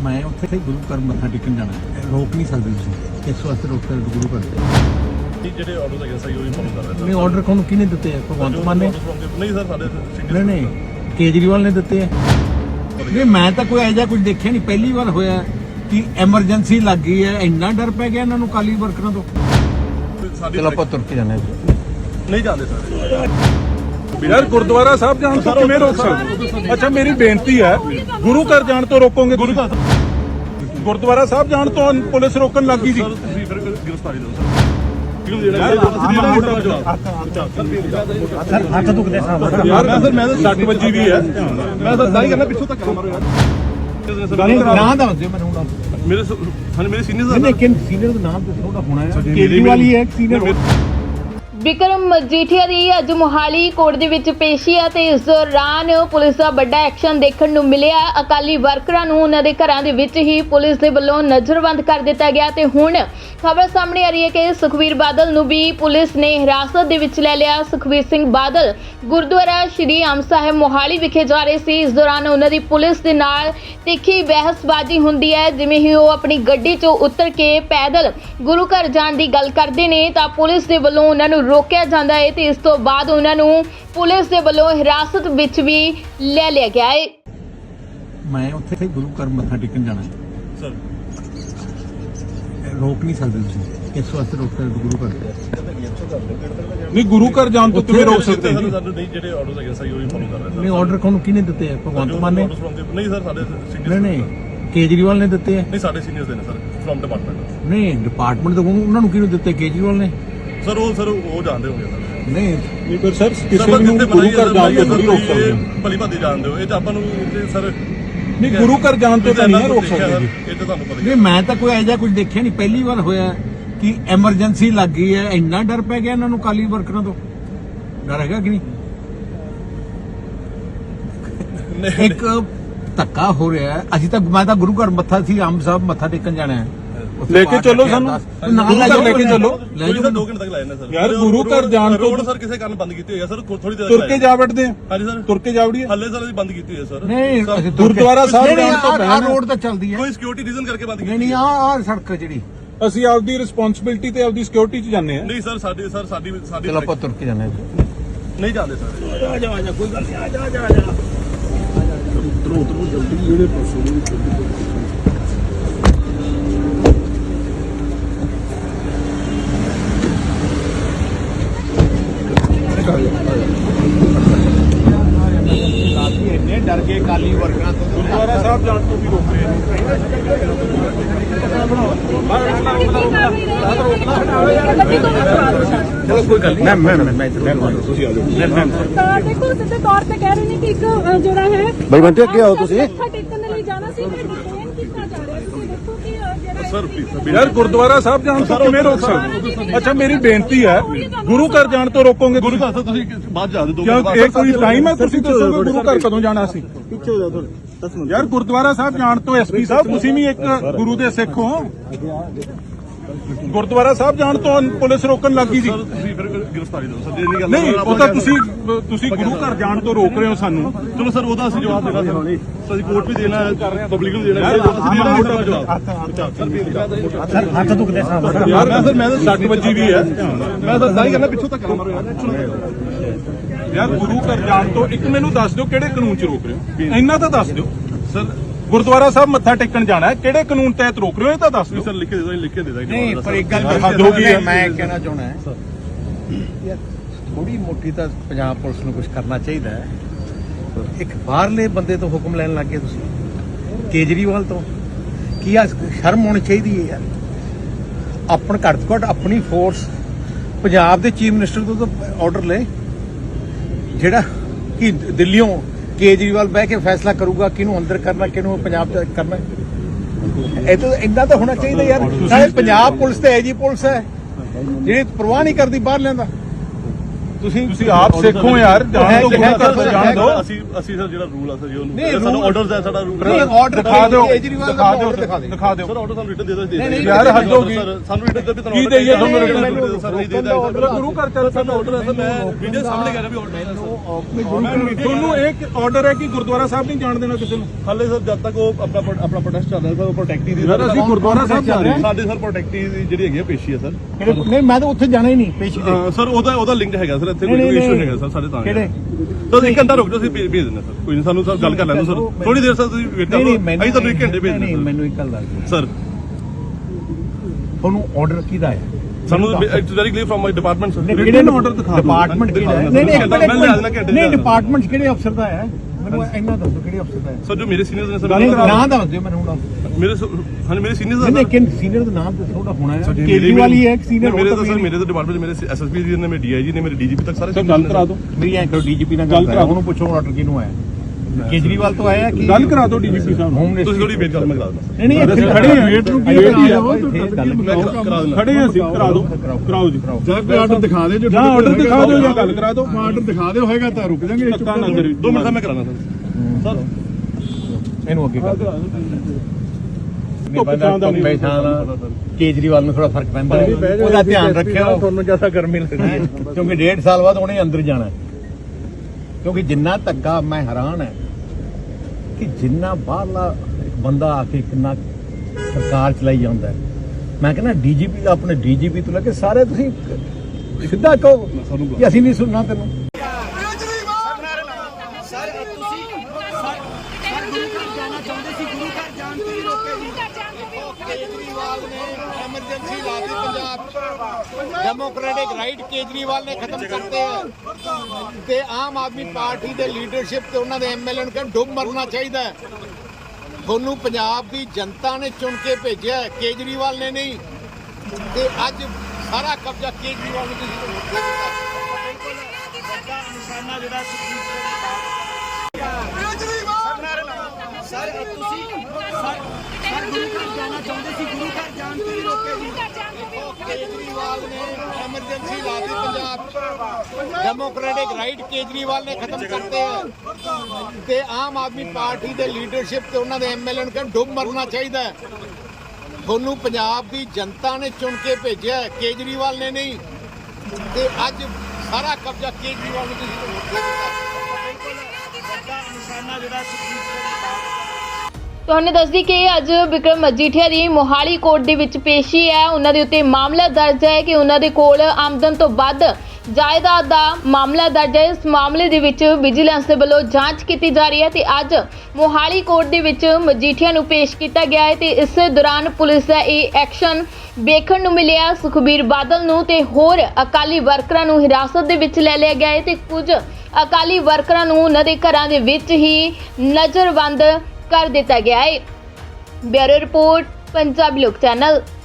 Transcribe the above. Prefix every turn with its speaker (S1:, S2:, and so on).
S1: मैं उत्थे गुरु घर मत्था टेकन जाना रोक नहीं सकते तुसीं इस वास्ते रोक कर गुरु घर
S2: ਜਿਹੜੇ ਆਰਡਰ ਹੈਗੇ ਸਹੀ ਉਹੀ ਫੋਲੋ ਕਰ ਰਹੇ
S1: नहीं ऑर्डर कौन किने दिते हैं भगवंत मान ने
S2: ਨਹੀਂ ਸਰ ਸਾਡੇ
S1: नहीं नहीं केजरीवाल ने दिते हैं नहीं मैं तो कोई ऐसा कुछ देखा नहीं पहली बार होया कि एमरजेंसी लग गई है इन्ना डर पै गया इन्होंने काली वर्करां तो चलो ਆਪਾਂ ਤੁਰ ਕੇ ਜਾਣਾ
S2: ਨਹੀਂ ਜਾਂਦੇ ਸਰ
S3: यार गुरुद्वारा साहब जान तो किवें रोक सकते? अच्छा मेरी बेनती है गुरु घर जान तो रोकोगे गुरुद्वारा साहब जान तो पुलिस रोकन लग गई जी
S2: ਸਰ ਤੁਸੀਂ ਫਿਰ ਗ੍ਰਿਫਤਾਰੀ ਦਿਓ ਸਰ ਕਿਉਂ ਦੇਣਾ
S1: हथ दुखदे साहब
S3: यार मैं सर मैं तो 60 वजी भी है मैं तो दाई करना पिछों तक मारो यार
S1: ना दस दियो मैंने हुण
S2: ਮੇਰੇ ਹਾਂ ਮੇਰੇ ਸੀਨੀਅਰ
S1: लेकिन सीनियर का नाम तो थोड़ा होना है केजरीवाल ही है सीनियर
S4: ਵਿਕਰਮ ਮਜੀਠੀਆ ਦੀ ਅੱਜ ਮੋਹਾਲੀ ਕੋਰਟ ਦੇ ਵਿੱਚ ਪੇਸ਼ੀ ਹੈ ਤੇ ਇਸ ਦੌਰਾਨ ਪੁਲਿਸ ਦਾ ਵੱਡਾ ਐਕਸ਼ਨ ਦੇਖਣ ਨੂੰ ਮਿਲਿਆ। ਅਕਾਲੀ ਵਰਕਰਾਂ ਨੂੰ ਉਹਨਾਂ ਦੇ ਘਰਾਂ ਦੇ ਵਿੱਚ ਹੀ ਪੁਲਿਸ ਦੇ ਵੱਲੋਂ ਨਜ਼ਰਬੰਦ ਕਰ ਦਿੱਤਾ ਗਿਆ ਤੇ ਹੁਣ ਖਬਰ ਸਾਹਮਣੇ ਆ ਰਹੀ ਹੈ ਕਿ ਸੁਖਬੀਰ ਬਾਦਲ ਨੂੰ ਵੀ ਪੁਲਿਸ ਨੇ ਹਿਰਾਸਤ ਦੇ ਵਿੱਚ ਲੈ ਲਿਆ। ਸੁਖਬੀਰ ਸਿੰਘ ਬਾਦਲ ਗੁਰਦੁਆਰਾ ਸ਼੍ਰੀ ਆਮ ਸਾਹਿਬ ਮੋਹਾਲੀ ਵਿਖੇ ਜਾ ਰਹੇ ਸੀ। ਇਸ ਦੌਰਾਨ ਉਹਨਾਂ ਦੀ ਪੁਲਿਸ ਦੇ ਨਾਲ ਤਿੱਖੀ ਬਹਿਸਬਾਜ਼ੀ ਹੁੰਦੀ ਹੈ। ਜਿਵੇਂ ਹੀ ਉਹ ਆਪਣੀ ਗੱਡੀ 'ਚੋਂ ਉਤਰ ਕੇ ਪੈਦਲ ਗੁਰੂ ਘਰ ਜਾਣ ਦੀ ਗੱਲ ਕਰਦੇ ਨੇ ਤਾਂ ਪੁਲਿਸ ਦੇ ਵੱਲੋਂ ਉਹਨਾਂ ਨੂੰ ਰੋਕਿਆ ਜਾਂਦਾ ਹੈ ਤੇ ਇਸ ਤੋਂ ਬਾਅਦ ਉਹਨਾਂ ਨੂੰ ਪੁਲਿਸ ਦੇ ਵੱਲੋਂ ਹਿਰਾਸਤ ਵਿੱਚ ਵੀ ਲੈ ਲਿਆ ਗਿਆ ਹੈ।
S1: मैं उत्थे गुरु घर मत्था टेकन जाना
S2: ਸਰ
S1: रोक नहीं सकते तुसीं इस वास्ते रोक कर गुरु घर
S3: नहीं गुरु घर जान तो किवें रोक सकते हैं जी?
S2: ਸਾਨੂੰ ਨਹੀਂ ਜਿਹੜੇ ਆਰਡਰ ਹੈਗੇ ਸਹੀ ਉਹੀ ਫੋਲੋ ਕਰ ਰਹੇ
S1: नहीं ऑर्डर कौन किने दिते हैं भगवंत मान ने
S2: ਨਹੀਂ ਸਰ ਸਾਡੇ
S1: नहीं
S2: ਸੀਨੀਅਰ
S1: नहीं केजरीवाल ने दिते हैं
S2: ਨਹੀਂ ਸਾਡੇ ਸੀਨੀਅਰਸ ਦੇ ਨੇ ਸਰ ਫਰਮ ਡਿਪਾਰਟਮੈਂਟ
S1: नहीं डिपार्टमेंट तो उन्होंने किने दिते केजरीवाल ने
S2: ਸਰ ਉਹ ਜਾਣਦੇ ਹੋਗੇ ਸਰ
S1: नहीं
S3: नहीं पर सर किसी ਨੂੰ गुरु घर जान तो नहीं रोक सकते
S2: ਭਲੀ ਭਾਦੀ ਜਾਣਦੇ ਹੋ ਇਹ ਤਾਂ ਆਪਾਂ ਨੂੰ ਸਰ
S3: नहीं गुरु घर जान तो नहीं रोक सकते जी
S2: ਇਹ ਤਾਂ ਤੁਹਾਨੂੰ ਪਤਾ ਹੀ
S1: नहीं मैं तो कोई ऐसा कुछ देखा नहीं पहली बार होया कि एमरजेंसी लग गई है इन्ना डर पै गया इन्होंने काली वर्करां तो डर हैगा कि नहीं एक धक्का हो रहा है अभी तक मैं तो गुरु घर मत्था सी आम साहब मत्था टेकन जाना है
S3: लेके चलो सानू गुरु घर लेके चलो
S2: ਕੋਈ ਸਰ 2 ਘੰਟੇ ਤੱਕ ਲਾਏ ਨੇ ਸਰ
S3: यार गुरु घर जान तो
S2: ਰੋਡ ਸਰ ਕਿਸੇ ਕਾਰਨ ਬੰਦ ਕੀਤੀ ਹੋਈ ਹੈ ਸਰ ਥੋੜੀ ਦੇਰ
S3: तुर के जा बैठते हैं
S2: ਹਾਂਜੀ ਸਰ
S3: तुर के जा वड़िए
S2: ਹੱਲੇ ਸਰ ਅਸੀਂ ਬੰਦ ਕੀਤੀ ਹੋਈ ਹੈ ਸਰ
S1: नहीं
S3: गुरुद्वारा साहब जान तो
S1: आ रोड तो चलदी है
S2: ਕੋਈ ਸਿਕਿਉਰਿਟੀ ਰੀਜ਼ਨ ਕਰਕੇ ਬੰਦ
S1: नहीं
S2: ਕੀਤੀ
S1: नहीं आ सड़क ਜਿਹੜੀ
S3: ਅਸੀਂ ਆਪਦੀ ਰਿਸਪੌਂਸਿਬਿਲਟੀ ਤੇ ਆਪਦੀ ਸਿਕਿਉਰਿਟੀ 'ਚ ਜਾਂਦੇ ਆ
S2: ਨਹੀਂ ਸਰ ਸਾਡੀ
S1: ਚਲੋ ਆਪਾਂ ਤੁਰ ਕੇ ਜਾਣਾ
S2: ਨਹੀਂ ਜਾਂਦੇ ਸਰ
S1: ਆ ਜਾ ਕੋਈ ਗੱਲ ਨਹੀਂ ਆ ਜਾ ਇੰਨੇ ਡਰ ਗਏ ਕਾਲੀ ਵਰਕਰਾਂ ਤੋਂ
S3: ਗੁਰਦੁਆਰਾ ਸਾਹਿਬ ਜਾਣ ਤੋਂ ਵੀ ਰੋਕ ਰਹੇ ਨੇ
S1: ਚਲੋ ਕੋਈ ਗੱਲ ਨਹੀਂ ਮੈਂ ਤੁਸੀਂ ਆ ਜਾਓ
S5: ਦੇਖੋ ਸਿੱਧੇ ਤੌਰ ਤੇ ਕਹਿ ਰਹੇ ਨੇ ਕਿ ਇੱਕ ਜਿਹੜਾ ਹੈ
S1: ਬਈ ਬੰਟੇ ਅੱਗੇ ਆਓ ਤੁਸੀਂ
S5: ਮੱਥਾ ਟੇਕਣ ਦੇ ਲਈ ਜਾਣਾ ਸੀ ਮੈਂ ਡਿਟੇਨ ਕੀਤਾ ਜਾ ਰਿਹਾ ਤੁਸੀਂ ਦੇਖੋ ਕਿ ਜਿਹੜਾ
S2: ਸਰ ਪਲੀਜ਼
S3: यार गुरुद्वारा साहब जान तो किवें रोक सकते? अच्छा मेरी बेनती है गुरु घर जान तो रोकोगे
S2: ਗੁਰੂ ਘਰ ਤੋਂ ਤੁਸੀਂ ਬਾਅਦ ਜਾ ਦੇ
S3: क्यों ये कोई टाइम है तुसीं दसोगे गुरु घर कदों जाना सी यार गुरुद्वारा साहब जान तो एसपी साहब तुसीं भी एक गुरु दे सिख हो गुरुद्वारा साहब जान तो पुलिस रोकन लग गई जी
S2: ਸਰ ਤੁਸੀਂ ਫਿਰ ਗ੍ਰਿਫਤਾਰੀ ਦਿਓ ਸਰ ਜੇ ਨਹੀਂ ਗੱਲ
S3: नहीं ਉਹ ਤਾਂ ਤੁਸੀਂ ਗੁਰੂ ਘਰ ਜਾਣ ਤੋਂ ਰੋਕ ਰਹੇ ਹੋ ਸਾਨੂੰ
S2: ਚਲੋ ਸਰ ਉਹਦਾ ਅਸੀਂ ਜਵਾਬ ਦੇਣਾ ਸਰ ਅਸੀਂ ਕੋਰਟ ਵੀ ਦੇਣਾ ਹੈ ਪਬਲਿਕ ਨੂੰ ਦੇਣਾ ਹੈ ਅਸੀਂ ਦੇਣਾ ਮੋਟਾ ਜਵਾਬ
S1: ਹੱਥ ਦੁਖਦੇ ਸਾਹਬ
S3: यार मैं सर मैं तो 60 वजी भी है मैं तो दाई करना पिछों तक मारो यार गुरु घर जान तो एक मैनू दस दिओ किहड़े कानून च रोक रहे हो इन्ना तो दस दिओ
S2: ਸਰ
S3: गुरुद्वारा साहब मत्था टेकन जाना है किहड़े कानून तहत रोक रहे हो ये तो दस दिओ
S2: ਸਰ ਲਿਖ ਕੇ ਦੇ ਦਾਂਗੇ
S1: नहीं पर एक गल
S3: हद हो गई है।
S1: मैं कहना चाहना है यार थोड़ी मोटी तो पंजाब पुलिस ਨੂੰ ਕੁਝ ਕਰਨਾ ਚਾਹੀਦਾ ਹੈ ਇੱਕ ਬਾਹਰਲੇ ਬੰਦੇ ਤੋਂ ਹੁਕਮ ਲੈਣ ਲੱਗੇ ਤੁਸੀਂ ਕੇਜਰੀਵਾਲ ਤੋਂ ਕੀ ਆ ਸ਼ਰਮ ਹੋਣੀ ਚਾਹੀਦੀ ਹੈ ਯਾਰ ਆਪਣ ਘੱਟ ਤੋਂ ਘੱਟ ਆਪਣੀ ਫੋਰਸ ਪੰਜਾਬ ਦੇ ਚੀਫ ਮਿਨਿਸਟਰ ਤੋਂ ਤਾਂ ਆਰਡਰ ਲੈ ਜਿਹੜਾ ਕਿ ਦਿੱਲੀੋਂ ਕੇਜਰੀਵਾਲ ਬਹਿ ਕੇ ਫੈਸਲਾ ਕਰੂਗਾ ਕਿਹਨੂੰ ਅੰਦਰ ਕਰਨਾ ਕਿਹਨੂੰ ਪੰਜਾਬ ਚ ਕਰਨਾ ਇਹ ਤਾਂ ਇੰਨਾ ਤਾਂ ਹੋਣਾ ਚਾਹੀਦਾ ਯਾਰ ਨਾਲੇ ਪੰਜਾਬ ਪੁਲਿਸ ਤੇ ਐਜੀ ਪੁਲਿਸ ਹੈ ਜਿਹੜੀ ਪਰਵਾਹ ਨਹੀਂ ਕਰਦੀ ਬਾਹਰ ਲੈਂਦਾ
S3: ਤੁਸੀਂ ਆਪ ਸਿੱਖੋ ਯਾਰ, ਜਾਣ ਤੋਂ ਗੁਰੂ ਘਰ ਤੋਂ ਜਾਣ ਦਿਓ।
S2: ਅਸੀਂ ਸਰ ਜਿਹੜਾ ਰੂਲ ਆ ਸਰ ਜੀ
S1: ਨਹੀਂ,
S2: ਉਹਨੂੰ ਸਾਨੂੰ ਆਰਡਰਸ ਹੈ ਸਾਡਾ ਰੂਲ
S1: order
S3: ਦਿਖਾ ਦਿਓ,
S1: ਕੇਜਰੀਵਾਲ ਦਾ
S3: ਦਿਖਾ ਦਿਓ
S2: ਸਰ ਆਰਡਰ ਸਾਨੂੰ ਰਿਟਨ ਦੇ ਦੋ
S3: ਯਾਰ ਹੱਦ ਹੋ ਗਈ।
S2: ਸਾਨੂੰ ਰਿਟਨ ਦੇ ਵੀ
S3: ਕੀ ਦੇਈਏ ਤੁਹਾਨੂੰ
S2: ਰਿਟਨ
S3: ਰਿਟਨ
S2: ਸਰ ਨਹੀਂ ਦੇਦਾ
S3: ਗੁਰੂ ਘਰ ਚੱਲ
S2: ਸਾਡਾ ਆਰਡਰ ਹੈ ਸਰ ਮੈਂ ਵੀਡੀਓ ਸਾਹਮਣੇ ਕਰ ਰਿਹਾ ਵੀ ਆਰਡਰ ਹੈ
S3: ਤੁਹਾਨੂੰ ਇੱਕ ਆਰਡਰ ਹੈ ਕਿ ਗੁਰਦੁਆਰਾ ਸਾਹਿਬ ਨਹੀਂ ਜਾਣ ਦੇਣਾ ਕਿਸੇ ਨੂੰ।
S2: ਹਾਲੇ ਸਰ ਜਦ ਤੱਕ ਉਹ ਆਪਣਾ ਪ੍ਰੋਟੈਸਟ ਚੱਲ ਰਿਹਾ ਸਰ ਉਹ ਪ੍ਰੋਟੈਕਟੀ ਦੀ
S3: ਯਾਰ ਅਸੀਂ ਗੁਰਦੁਆਰਾ ਸਾਹਿਬ ਜਾ ਰਹੇ ਹਾਂ।
S2: ਸਾਡੇ ਸਰ ਪ੍ਰੋਟੈਕਟੀ ਦੀ ਜਿਹੜੀ ਹੈਗੀ ਆ ਪੇਸ਼ੀ ਹੈ ਸਰ
S1: ਨਹੀਂ ਮੈਂ ਤਾਂ ਉੱਥੇ ਜਾਣਾ ਹੀ ਨਹੀਂ ਪੇਸ਼ੀ ਤੇ
S2: ਸਰ ਉਹਦਾ ਲਿੰਕ ਹੈਗਾ ਸਰ ਇੱਥੇ
S1: ਨਹੀਂ,
S2: ਕੋਈ
S1: ਨਹੀਂ,
S2: ਇਸ਼ੂ
S1: ਨਹੀਂ।
S2: ਹੈਗਾ ਸਰ ਸਾਡੇ ਤਾਂ
S1: ਕਿਹੜੇ?
S2: ਸਰ 1 ਘੰਟਾ ਰੁਕ ਜਾਓ ਅਸੀਂ ਭੇਜ ਦਿੰਦੇ ਸਰ ਕੋਈ ਨਹੀਂ ਸਾਨੂੰ ਸਰ ਗੱਲ ਕਰ ਲੈਣ ਦਿਓ ਸਰ ਥੋੜੀ ਦੇਰ ਸਰ ਤੁਸੀਂ ਵੇਟ ਕਰੋ ਅਸੀਂ ਤੁਹਾਨੂੰ 1 ਘੰਟੇ ਭੇਜ
S1: ਨਹੀਂ
S2: ਦਿੰਦੇ
S1: ਮੈਨੂੰ ਇੱਕ ਗੱਲ ਦੱਸ ਦਿਓ
S2: ਸਰ
S1: ਤੁਹਾਨੂੰ ਆਰਡਰ ਕਿਹਦਾ ਹੈ
S2: ਸਾਨੂੰ it's very clear from my department sir
S3: ਕਿਹੜੇ ਆਰਡਰ ਦਿਖਾ ਦਿਓ।
S1: ਡਿਪਾਰਟਮੈਂਟ ਕਿਹੜਾ ਹੈ?
S2: ਮੈਂ ਲਿਆ ਦੇਣਾ ਘੰਟੇ
S1: ਨਹੀਂ ਡਿਪਾਰਟਮੈਂਟ ਕਿਹੜੇ ਅਫਸਰ ਦਾ ਹੈ ਮੈਨੂੰ ਇੰਨਾ ਦੱਸੋ ਕਿਹੜੇ ਅਫਸਰ ਦਾ ਹੈ
S2: ਸਰ ਜੋ ਮੇਰੇ ਸੀਨੀਅਰਸ ਨੇ
S1: ਨਹੀਂ
S2: ਸਰ
S1: ਨਾਂ ਦੱਸ ਦਿਓ ਮੈਨੂੰ ਹੁਣ
S2: ਮੇਰੇ ਹਾਂਜੀ ਮੇਰੇ ਸੀਨੀਅਰਸ
S1: ਨਹੀਂ ਲੇਕਿਨ ਸੀਨੀਅਰ ਦਾ ਨਾਮ ਤਾਂ ਥੋੜਾ ਹੋਣਾ ਹੈ ਕੇਜਰੀਵਾਲ ਹੀ ਹੈ ਇੱਕ ਸੀਨੀਅਰ
S2: ਮੇਰੇ ਤਾਂ ਸਰ ਮੇਰੇ ਤਾਂ ਡਿਪਾਰਟਮੈਂਟ ਮੇਰੇ ਐਸਐਸਪੀ ਜੀ ਨੇ ਮੇਰੇ ਡੀਆਈਜੀ ਨੇ ਮੇਰੇ ਡੀਜੀਪੀ ਤੱਕ ਸਾਰੇ
S3: ਸਰ ਗੱਲ ਕਰਾ ਦਿਓ,
S1: ਮੇਰੀ ਐਂ ਕਰੋ ਡੀਜੀਪੀ ਨਾਲ ਗੱਲ ਕਰਾ ਉਹਨੂੰ ਪੁੱਛੋ ਆਰਡਰ ਕਿਹਨੂੰ ਆਇਆ ਕੇਜਰੀਵਾਲ ਤੋਂ ਆਇਆ ਕਿ
S3: ਗੱਲ ਕਰਾ ਦਿਓ ਡੀਜੀਪੀ ਸਾਹਿਬ ਨੂੰ।
S1: ਹੋਮ
S2: ਤੁਸੀਂ
S1: ਮਿਨਿਸਟਰ
S2: ਥੋੜੀ ਵੇਟ ਕਰੋ ਮੈਂ ਕਰਾ ਦਿੰਦਾ
S1: ਨਹੀਂ ਨਹੀਂ
S3: ਅਸੀਂ ਖੜੇ ਹਾਂ, ਵੇਟ ਨੂੰ ਕੀ
S1: ਵੇਟ
S3: ਕਰਾ
S1: ਜਾਓ,
S3: ਦਿਓ।
S1: ਇੱਥੇ ਗੱਲ
S2: ਮੈਂ ਕਰਾ ਦਿੰਦਾ
S3: ਖੜੇ ਹਾਂ ਅਸੀਂ, ਕਰਾ ਦਿਓ ਕਰਾਓ ਜੀ
S6: ਜਾਂ ਕੋਈ ਆਰਡਰ ਦਿਖਾ ਦੇ ਜੋ
S3: ਜਾਂ ਆਰਡਰ ਦਿਖਾ ਦਿਓ ਜਾਂ ਗੱਲ ਕਰਾ ਦਿਓ।
S6: ਆਰਡਰ ਦਿਖਾ ਦਿਓ ਹੋਏਗਾ ਤਾਂ ਰੁਕ ਜਾਾਂਗੇ
S3: ਧੱਕਾ ਨਾ ਕਰੀ
S2: 2 ਮਿੰਟ ਦਾ ਮੈਂ ਕਰਾਣਾ ਸਰ
S1: ਇਹਨੂੰ ਅੱਗੇ ਕਰ
S3: ਧੁੱਪ ਛਾਂ ਦਾ ਨਹੀਂ।
S1: ਕੇਜਰੀਵਾਲ ਨੂੰ ਥੋੜਾ ਫਰਕ ਪੈਂਦਾ ਹੈ। ਉਹਦਾ ਧਿਆਨ ਰੱਖਿਓ ਤੁਹਾਨੂੰ ਜ਼ਿਆਦਾ ਗਰਮੀ ਲੱਗਦੀ ਕਿਉਂਕਿ 1.5 ਸਾਲ ਬਾਅਦ ਉਹਨੇ ਅੰਦਰ ਜਾਣਾ ਹੈ। ਕਿਉਂਕਿ ਜਿੰਨਾ ਧੱਕਾ ਮੈਂ ਹੈਰਾਨ ਹੈ ਕਿ ਜਿੰਨਾ ਬਾਹਰਲਾ ਇੱਕ ਬੰਦਾ ਆ ਕੇ ਕਿੰਨਾ ਸਰਕਾਰ ਚਲਾਈ ਜਾਂਦਾ ਹੈ। ਮੈਂ ਕਹਿੰਦਾ ਡੀਜੀਪੀ ਦਾ ਆਪਣੇ ਡੀਜੀਪੀ ਤੋਂ ਲੈ ਕੇ ਸਾਰੇ ਤੁਸੀਂ ਸਿੱਧਾ ਕਹੋ ਕਿ ਅਸੀਂ ਨਹੀਂ ਸੁਣਨਾ ਤੈਨੂੰ
S7: केजरीवाल ने एमरजेंसी ला दी पंजाब डेमोक्रेटिक राइट केजरीवाल ने खत्म करते हैं ते आम आदमी पार्टी दे लीडरशिप ते उन्हां दे एमएलए ਨੂੰ ਕਹਿੰਦੇ ਡੁੱਬ ਮਰਨਾ ਚਾਹੀਦਾ ਹੈ। ਤੁਹਾਨੂੰ ਪੰਜਾਬ ਦੀ ਜਨਤਾ ਨੇ ਚੁਣ ਕੇ ਭੇਜਿਆ ਹੈ, ਕੇਜਰੀਵਾਲ ਨੇ ਨਹੀਂ ਤੇ ਅੱਜ ਸਾਰਾ ਕਬਜ਼ਾ ਕੇਜਰੀਵਾਲ ਨੂੰ ਤੁਸੀਂ ਦੇ ਦਿੱਤਾ। ਨਿਸ਼ਾਨਾ ਜਿਹੜਾ ਸਰ ਤੁਸੀਂ ਗੁਰੂ ਘਰ ਜਾਣਾ ਚਾਹੁੰਦੇ ਸੀ ਗੁਰੂ ਘਰ ਜਾਣ ਤੋਂ ਹੀ ਰੋਕੇ ਜੀ केजरीवाल ने एमरजेंसी ला दी पंजाब डेमोक्रेटिक राइट केजरीवाल ने खत्म करते हैं ते आम आदमी पार्टी दे लीडरशिप ते उन्हां दे एमएलए ਨੂੰ ਕਹਿੰਦੇ ਡੁੱਬ ਮਰਨਾ ਚਾਹੀਦਾ ਹੈ। ਤੁਹਾਨੂੰ ਪੰਜਾਬ ਦੀ ਜਨਤਾ ਨੇ ਚੁਣ ਕੇ ਭੇਜਿਆ ਹੈ, ਕੇਜਰੀਵਾਲ ਨੇ ਨਹੀਂ ਤੇ ਅੱਜ ਸਾਰਾ ਕਬਜ਼ਾ ਕੇਜਰੀਵਾਲ ਨੂੰ ਤੁਸੀਂ ਦੇ ਦਿੱਤਾ। ਨਿਸ਼ਾਨਾ ਜਿਹੜਾ
S4: ਤੁਹਾਨੂੰ ਦੱਸਦੀ ਕਿ ਅੱਜ ਵਿਕਰਮ ਮਜੀਠੀਆ ਦੀ ਮੋਹਾਲੀ ਕੋਰਟ ਦੇ ਵਿੱਚ ਪੇਸ਼ੀ ਹੈ। ਉਹਨਾਂ ਦੇ ਉੱਤੇ ਮਾਮਲਾ ਦਰਜ ਹੈ ਕਿ ਉਹਨਾਂ ਦੇ ਕੋਲ ਆਮਦਨ ਤੋਂ ਵੱਧ ਜਾਇਦਾਦ ਦਾ ਮਾਮਲਾ ਦਰਜ ਹੈ। ਇਸ ਮਾਮਲੇ ਦੇ ਵਿੱਚ ਵਿਜੀਲੈਂਸ ਦੇ ਵੱਲੋਂ ਜਾਂਚ ਕੀਤੀ ਜਾ ਰਹੀ ਹੈ ਤੇ ਅੱਜ ਮੋਹਾਲੀ ਕੋਰਟ ਦੇ ਵਿੱਚ ਮਜੀਠੀਆ ਨੂੰ ਪੇਸ਼ ਕੀਤਾ ਗਿਆ ਹੈ ਤੇ ਇਸ ਦੌਰਾਨ ਪੁਲਿਸ ਦਾ ਇਹ ਐਕਸ਼ਨ ਵੇਖਣ ਨੂੰ ਮਿਲਿਆ। ਸੁਖਬੀਰ ਬਾਦਲ ਨੂੰ ਤੇ ਹੋਰ ਅਕਾਲੀ ਵਰਕਰਾਂ ਨੂੰ ਹਿਰਾਸਤ ਦੇ ਵਿੱਚ ਲੈ ਲਿਆ ਗਿਆ ਹੈ ਤੇ ਕੁਝ ਅਕਾਲੀ ਵਰਕਰਾਂ ਨੂੰ ਉਹਨਾਂ ਦੇ ਘਰਾਂ ਦੇ ਵਿੱਚ ਹੀ ਨਜ਼ਰਬੰਦ ਕਰ ਦਿੱਤਾ ਗਿਆ ਹੈ। ਬਿਊਰੋ ਰਿਪੋਰਟ ਪੰਜਾਬੀ ਲੋਕ ਚੈਨਲ।